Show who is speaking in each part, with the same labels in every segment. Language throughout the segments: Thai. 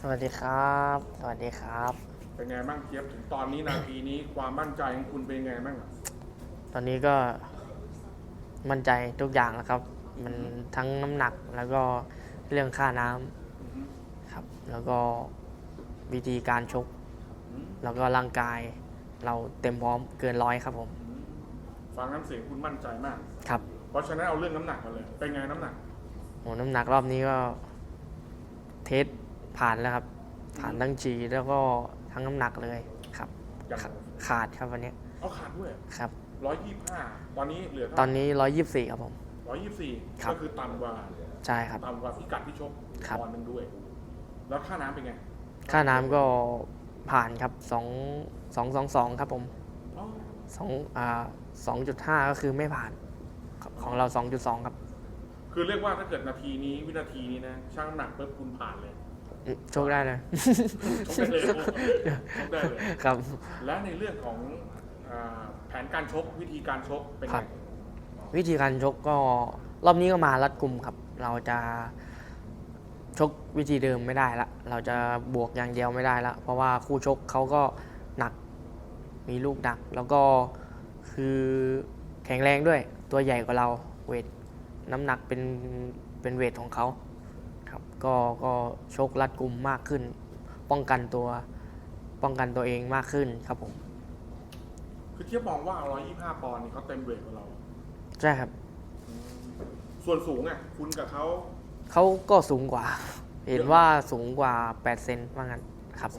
Speaker 1: สวัสดีครับสวัสดีครับ
Speaker 2: เป็นไงบ้างเทียบถึงตอนนี้นาทีนี้ความมั่นใจของคุณเป็นไงบ้าง
Speaker 1: ตอนนี้ก็มั่นใจทุกอย่างแล้วครับมันทั้งน้ำหนักแล้วก็เรื่องค่าน้
Speaker 2: อือฮึ
Speaker 1: ำครับแล้วก็วิธีการชก
Speaker 2: อืม
Speaker 1: แล้วก็ร่างกายเราเต็มพร้อมเกินร้อยครับผม
Speaker 2: อืมฟังน้ำเสียงคุณมั่นใจมาก
Speaker 1: ครับ
Speaker 2: เพราะฉะนั้นเอาเรื่องน้ำหนักมาเลยเป็นไงน้ำหนัก
Speaker 1: โหน้ำหนักรอบนี้ก็เทสผ่านแล้วครับผ่านทั้งจีแล้วก็ทั้งน้ำหนักเลยครับ
Speaker 2: อย่าง
Speaker 1: ขาขาดครับวันนี้
Speaker 2: เอาขาดด้วย
Speaker 1: ครับ
Speaker 2: 125ตอนนี้เหลือเท่า
Speaker 1: ตอนนี้124ครับผม
Speaker 2: 124
Speaker 1: ครับ
Speaker 2: ก็คือต่ำกว่า
Speaker 1: ใช่ครับ
Speaker 2: พิกัดที่ชก
Speaker 1: ครับ
Speaker 2: ปอนด์หนึงด้วยแล้วค่าน้ำเป็นไง
Speaker 1: ค่าน้ำก็ผ่านครับ2.2ครับผม
Speaker 2: อ๋อ
Speaker 1: สอง2.5ก็คือไม่ผ่านของเรา2.2ครับ
Speaker 2: คือเรียกว่าถ้าเกิดนาทีนี้วินาทีนี้นะช่างน้ำหนักปุ๊บคุณผ่านเลย
Speaker 1: โชคได้เลย
Speaker 2: ชกได้เลยชกได้เลย
Speaker 1: ครับ
Speaker 2: และในเรื่องของแผนการชกวิธีการชกเป็น
Speaker 1: ครั
Speaker 2: ไง
Speaker 1: บ วิธีการชกก็รอบนี้ก็มารัดกุมครับ เราจะชกวิธีเดิมไม่ได้ละเราจะบวกอย่างเดียวไม่ได้ละเพราะว่าคู่ชกเขาก็หนักมีลูกหนัก แล้วก็คือแข็งแรงด้วยตัวใหญ่กว่าเราเวทน้ำหนักเป็นเวทของเขาครับก็ชกรัดกุมมากขึ้น ป้องกันตัวเองมากขึ้นครับผม
Speaker 2: คือเทียบมองว่า125ปอนด์นี่เขาเต็มเวทกว่าเรา
Speaker 1: ใช่ครับ
Speaker 2: ส่วนสูงอ่ะคุณกับเขา
Speaker 1: เขาก็สูงกว่า เห็นว่าสูงกว่า8 เซนว่างั้นครับ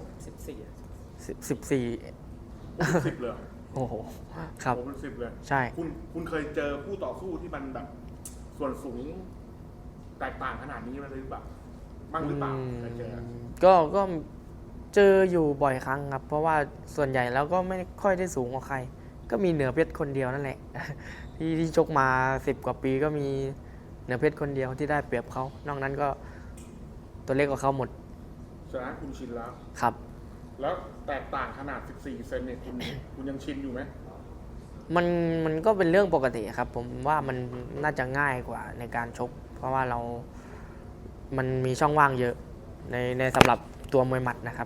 Speaker 1: 14
Speaker 2: 10เลยเหรอ
Speaker 1: โอ้โหครับ
Speaker 2: ผมเป็น10เลย
Speaker 1: ใช่
Speaker 2: คุณเคยเจอคู่ต่อสู้ที่มันแบบส่วนสูงแตกต่างขนาดนี้มาหรือเปล่าบ้างหรือเปล่าเคยเจอ
Speaker 1: ก็เจออยู่บ่อยครั้งครับ เพราะว่าส่วนใหญ่แล้วก็ไม่ค่อยได้สูงกว่าใคร ก็มีเหนือเพชรคนเดียวนั่นแหละ ที่ชกมา10 กว่าปีก็มีเหนือเพชรคนเดียวที่ได้เปรียบเขานอกนั้นก็ตัวเล็กกว่าเขาหมด
Speaker 2: ฉะนั้นคุณชินแล้ว
Speaker 1: ครับ
Speaker 2: แล้วแตกต่างขนาด14เซนเนี่ยคุณยังชินอยู่ไหม
Speaker 1: มันก็เป็นเรื่องปกติครับ ผมว่ามันน่าจะง่ายกว่าในการชก เพราะว่ามันมีช่องว่างเยอะในสำหรับตัวมวยหมัดนะครับ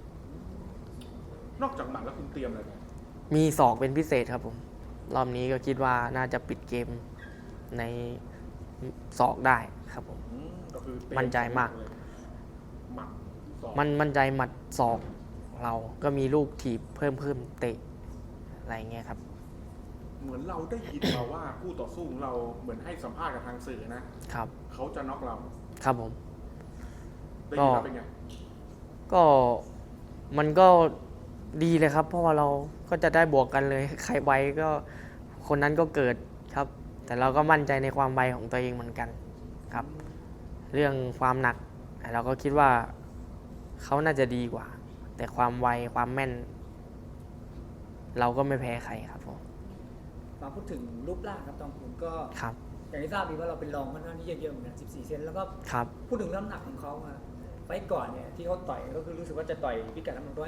Speaker 2: นอกจากหมัดแล้วคุณเตรียมอะไรไหม
Speaker 1: มีศอกเป็นพิเศษครับผม รอบนี้ก็คิดว่าน่าจะปิดเกมในศอกได้ครับผม
Speaker 2: ก็คือเตรีย
Speaker 1: มั่นใจมาก
Speaker 2: เลยหมัดสอง
Speaker 1: มั่นใจหมัดศอกเราก็มีลูกถีบเพิ่มเตะอะไรเงี้ยครับ
Speaker 2: เหมือนเราได้ยินมาว่าคู่ต่อสู้ของเราเหมือนให้สัมภาษณ์กับทางสื่อนะครับเขาจะน็อกเรา
Speaker 1: ครับผม
Speaker 2: ได้ยินมาเป็นไง
Speaker 1: ก็มันก็ดีเลยครับ เพราะว่าเราก็จะได้บวกกันเลย ใครไวก็คนนั้นก็เกิดครับ แต่เราก็มั่นใจในความไวของตัวเองเหมือนกันครับ เรื่องความหนักเราก็คิดว่าเขาน่าจะดีกว่า แต่ความไวความแม่น เราก็ไม่แพ้ใครครับผม
Speaker 3: มาพูดถึงรูปร่างครับตองคุณก็
Speaker 1: ครับ
Speaker 3: อย่างที่ทราบดีว่าเราเป็นรองค่อนข้างที่จะเยอะเหมือนกัน14เซนแล้วก็
Speaker 1: ครับ
Speaker 3: พูดถึงน้ำหนักของเขาไฟต์ก่อนเนี่ยที่เขาต่อยก็คือรู้สึกว่าจะต่อยพิกัดน้ำหนัก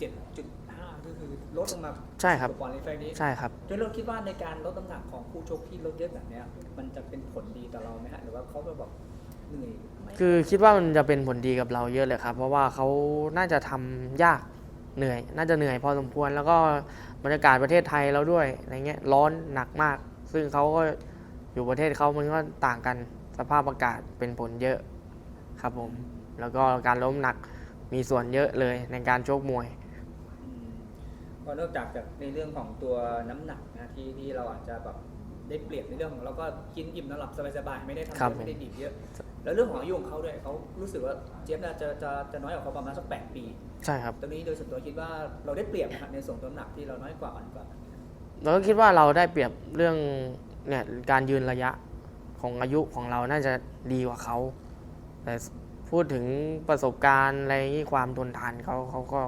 Speaker 3: 137.5ก็คือลดลงมา
Speaker 1: ใช่ครับ
Speaker 3: กว่าปอนด์ในไฟต์นี้
Speaker 1: ใช่ครับ
Speaker 3: โดยเราคิดว่าในการลดน้ำหนักของคู่ชกที่ลดเยอะแบบเนี้ยมันจะเป็นผลดีต่อเราไหมฮะหรือว่าเขาจะแบบเหนื่อยไหม
Speaker 1: คือคิดว่ามันจะเป็นผลดีกับเราเยอะเลยครับ เพราะว่าเขาน่าจะทำยากเหนื่อย น่าจะเหนื่อยพอสมควร แล้วก็บรรยากาศประเทศไทยเราด้วยอะไรเงี้ยร้อนหนักมาก ซึ่งเขาก็อยู่ประเทศเขามันก็ต่างกันสภาพอากาศเป็นผลเยอะครับผม แล้วก็การล้มหนักมีส่วนเยอะเลยในการชกมวย
Speaker 3: ก็นอกจากในเรื่องของตัวน้ำหนักนะที่เราอาจจะแบบได้เปรียบในเรื่องของเราก็กินอิ่มนอนหลับสบายๆไม่ได้ทำ
Speaker 1: ครั
Speaker 3: เย
Speaker 1: บ
Speaker 3: อะไม่ได้ดีบเยอะ แล้วเรื่องของอายุของเขาด้วยเขารู้สึกว่าเจี๊ยบน่าจะน้อยกว่าเขาประมาณสัก8 ปี
Speaker 1: ใช่ครับ
Speaker 3: ตรงนี้โดยส่วนตัวคิดว่าเราได้เปรียบนะฮะในส่วนตัวน้ำหนักที่เราน้อยกว่าอ่อนกว่า
Speaker 1: เราก็คิดว่าเราได้เปรียบเรื่องเนี่ยการยืนระยะของอายุของเราน่าจะดีกว่าเขา แต่พูดถึงประสบการณ์อะไรอย่างนี้ความทนทานเขาก็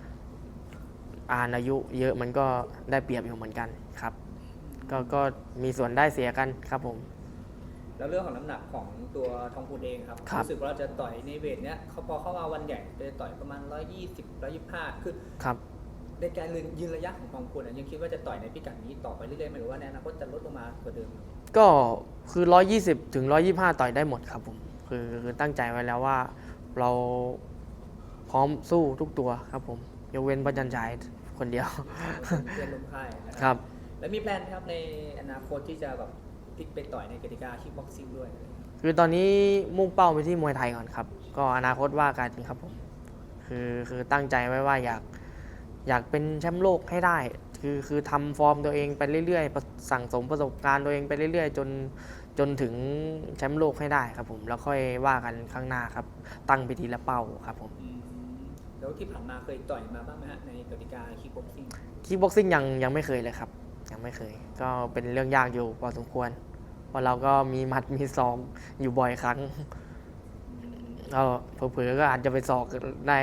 Speaker 1: อายุเยอะมันก็ได้เปรียบอยู่เหมือนกันครับ ก็มีส่วนได้เสียกันครับผม
Speaker 3: แล้วเรื่องของน้ำหนักของตัวทองพูนเองครับ
Speaker 1: ครับ
Speaker 3: รู้สึกว่าเราจะต่อยในเวทเนี้ยเขาพอเข้ามาวันใหญ่จะต่อยประมาณ120 125คือ
Speaker 1: ครับ
Speaker 3: ในการยืนระยะของทองพูนยังคิดว่าจะต่อยในพิกัดนี้ต่อไปเรื่อยๆไหมหรือว่าในอนาคตจะลดลงมากว่าเดิม
Speaker 1: ก็คือ120 ถึง 125ต่อยได้หมดครับผมคือตั้งใจไว้แล้วว่าเราพร้อมสู้ทุกตัวครับผมยกเว้นพระจันทร์ฉายคนเดียว
Speaker 3: เพื่อนร่วมค่ายนะ
Speaker 1: ค
Speaker 3: ค
Speaker 1: รั
Speaker 3: รับ แล้วมีแพลนไหมครับในอนาคตที่จะแบบพลิกไปต่อยในกติกาคิกบ็อกซิ่งด้วย
Speaker 1: คือตอนนี้มุ่งเป้าไปที่มวยไทยก่อนครับ ก็อนาคตว่ากันครับผมคือตั้งใจไว้ว่าอยากเป็นแชมป์โลกให้ได้ คือทำฟอร์มตัวเองไปเรื่อยๆสั่งสมประสบการณ์ตัวเองไปเรื่อยๆจนถึงแชมป์โลกให้ได้ครับผมแล้วค่อยว่ากันข้างหน้าครับตั้งไปทีละเป้าครับผม
Speaker 3: แล้วที่ผ่านมาเคยต่อยมาบ้างไหมฮะในกติกาคิกบ็อกซิ่ง
Speaker 1: คิกบ็อกซิ่งยังไม่เคยเลยครับยังไม่เคย ก็เป็นเรื่องยากอยู่พอสมควรเพราะเราก็มีหมัดมีศอกอยู่บ่อยครั้งก็เผลอๆก็อาจจะไปศอกได้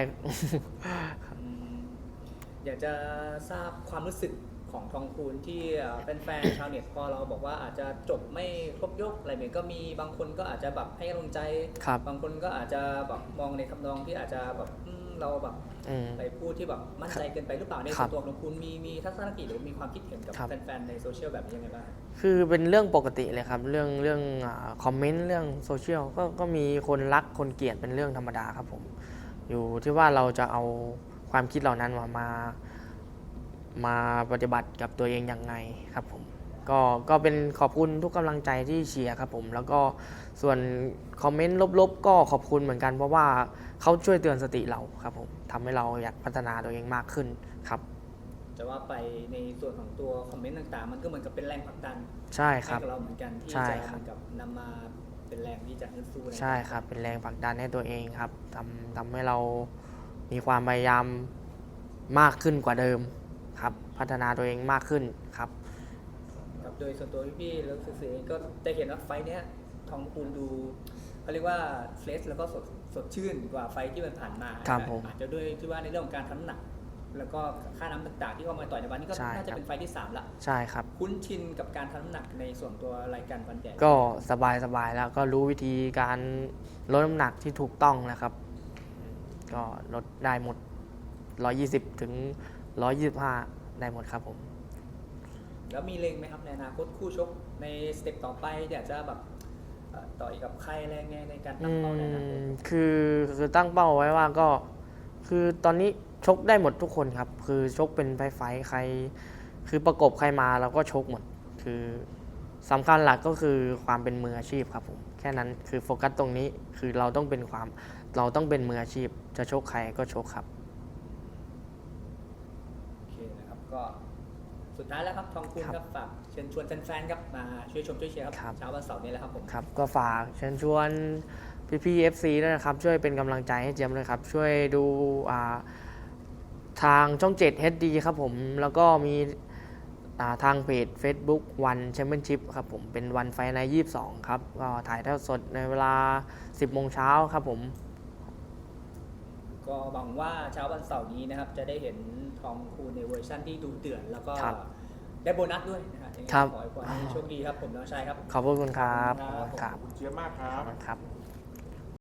Speaker 3: อยากจะทราบความรู้สึกของทองคูณที่เป็นแฟนชาวเน็ตพอเราบอกว่าอาจจะจบไม่ครบยกอะไรแบบก็มีบางคนก็อาจจะแบบให้กำลังใจ
Speaker 1: ครับ
Speaker 3: บางคนก็อาจจะแบบมองในทำนองที่อาจจะแบบเราแบบ
Speaker 1: อืม
Speaker 3: ไปพูดที่แบบมั่นใจเกินไปหรือเปล่าใน
Speaker 1: ครั
Speaker 3: ส่ว
Speaker 1: บ
Speaker 3: นตัวของคุณมีทัศนคติหรือมีความคิดเห็นกับ
Speaker 1: ครับ
Speaker 3: แฟนๆในโซเชียลแบบนี้ยังไงบ้าง
Speaker 1: คือเป็นเรื่องปกติเลยครับ เรื่องคอมเมนต์เรื่องโซเชียลก็มีคนรักคนเกลียดเป็นเรื่องธรรมดาครับผมอยู่ที่ว่าเราจะเอาความคิดเหล่านั้นมาปฏิบัติกับตัวเองอย่างไงครับผมก็เป็นขอบคุณทุกกำลังใจที่เชียร์ครับผมแล้วก็ส่วนคอมเมนต์ลบๆก็ขอบคุณเหมือนกันเพราะว่าเขาช่วยเตือนสติเราครับผมทำให้เราอยากพัฒนาตัวเองมากขึ้นครับ
Speaker 3: จะว่าไปในส่วนของตัวคอมเมนต์ต่างๆ มันก็เหมือนกับเป็นแรงผลักดัน
Speaker 1: ใช่ค
Speaker 3: ให้
Speaker 1: รับ
Speaker 3: กับเราเหมือนกันที่
Speaker 1: ใช่
Speaker 3: จะ
Speaker 1: ค
Speaker 3: เห
Speaker 1: รับ
Speaker 3: มือนกับนำมาเป็นแรงที่จะฮึดสู้น
Speaker 1: ใช่ครับเป็นแรงผลักดันให้ตัวเองครับทำให้เรามีความพยายามมากขึ้นกว่าเดิมครับพัฒนาตัวเองมากขึ้นครับ
Speaker 3: ครับโดยส่วนตัวพี่ๆแล้วสื่อๆเองก็จะเห็นว่าไฟท์เนี้ยทองคูณดูเขาเรียกว่าเฟรชแล้วก็สดชื่นกว่าไฟท์ที่มันผ่านมา
Speaker 1: ครับผม
Speaker 3: อาจจะด้วยที่ว่าในเรื่องของการทำน้ำหนัก แล้วก็ค่าน้ำต่างๆที่เข้ามาต่อยในวันนี้ก็
Speaker 1: ใช่
Speaker 3: น่าจะ
Speaker 1: ครับ
Speaker 3: เป็นไฟท์ที่ 3 ละ
Speaker 1: ใช่ครับ
Speaker 3: คุ้นชินกับการทำน้ำหนักในส่วนตัวรายการวันใหญ่
Speaker 1: ก็สบายแล้วก็รู้วิธีการลดน้ำหนักที่ถูกต้องนะครับ ก็ลดได้หมด 120 ถึง 125 ได้หมดครับผม
Speaker 3: แล้วมีเล็งไหมครับในอนาคตคู่ชกในสเต็ปต่อไปอยากจะแบบต่อยกับใครอะไรไงในการตั้งเป้าในอนาคต
Speaker 1: คือตั้งเป้าไว้ว่าก็คือตอนนี้ชกได้หมดทุกคนครับ คือชกเป็นไฟท์ใคร คือประกบใครมาเราก็ชกหมด คือสำคัญหลักก็คือความเป็นมืออาชีพครับผมแค่นั้นคือโฟกัสตรงนี้คือเราต้องเป็นมืออาชีพ จะชกใครก็ชกครับ
Speaker 3: โอเคนะครับก็สุดท้ายแล้วครับทองคูณครับฝากเชิญชวนแฟนๆครับมาช่วยชมช่วยเชียร์ครับ
Speaker 1: ครับ
Speaker 3: เช้าวันเสาร์นี้แหละครับผม
Speaker 1: ครับก็ฝากเชิญชวนพี่ๆ FC ด้วยนะครับ ช่วยเป็นกำลังใจให้เจียมด้วยครับ ช่วยดูทางช่อง 7 HD ครับผม แล้วก็มีทางเพจ Facebook วันแชมเปี้ยนชิพครับผม เป็นวันไฟใน22 ครับ ก็ถ่ายทอดสดในเวลา 10 โมงเช้าครับผม
Speaker 3: ก็หวังว่าเช้าวันเสาร์นี้นะครับจะได้เห็นทองคูณในเวอร์ชั่นที่ดูเดือดแล้วก็
Speaker 1: ครับ
Speaker 3: ได้โบนัสด้วยนะฮะยังไง
Speaker 1: ครับ
Speaker 3: ขอให้โชคดีครับผมน้องชายครับ
Speaker 1: ขอบคุณครับ
Speaker 3: ขอบคุณครับ
Speaker 1: ครับ
Speaker 2: ขอบคุณเจี๊ยบมากครับ
Speaker 1: ครับ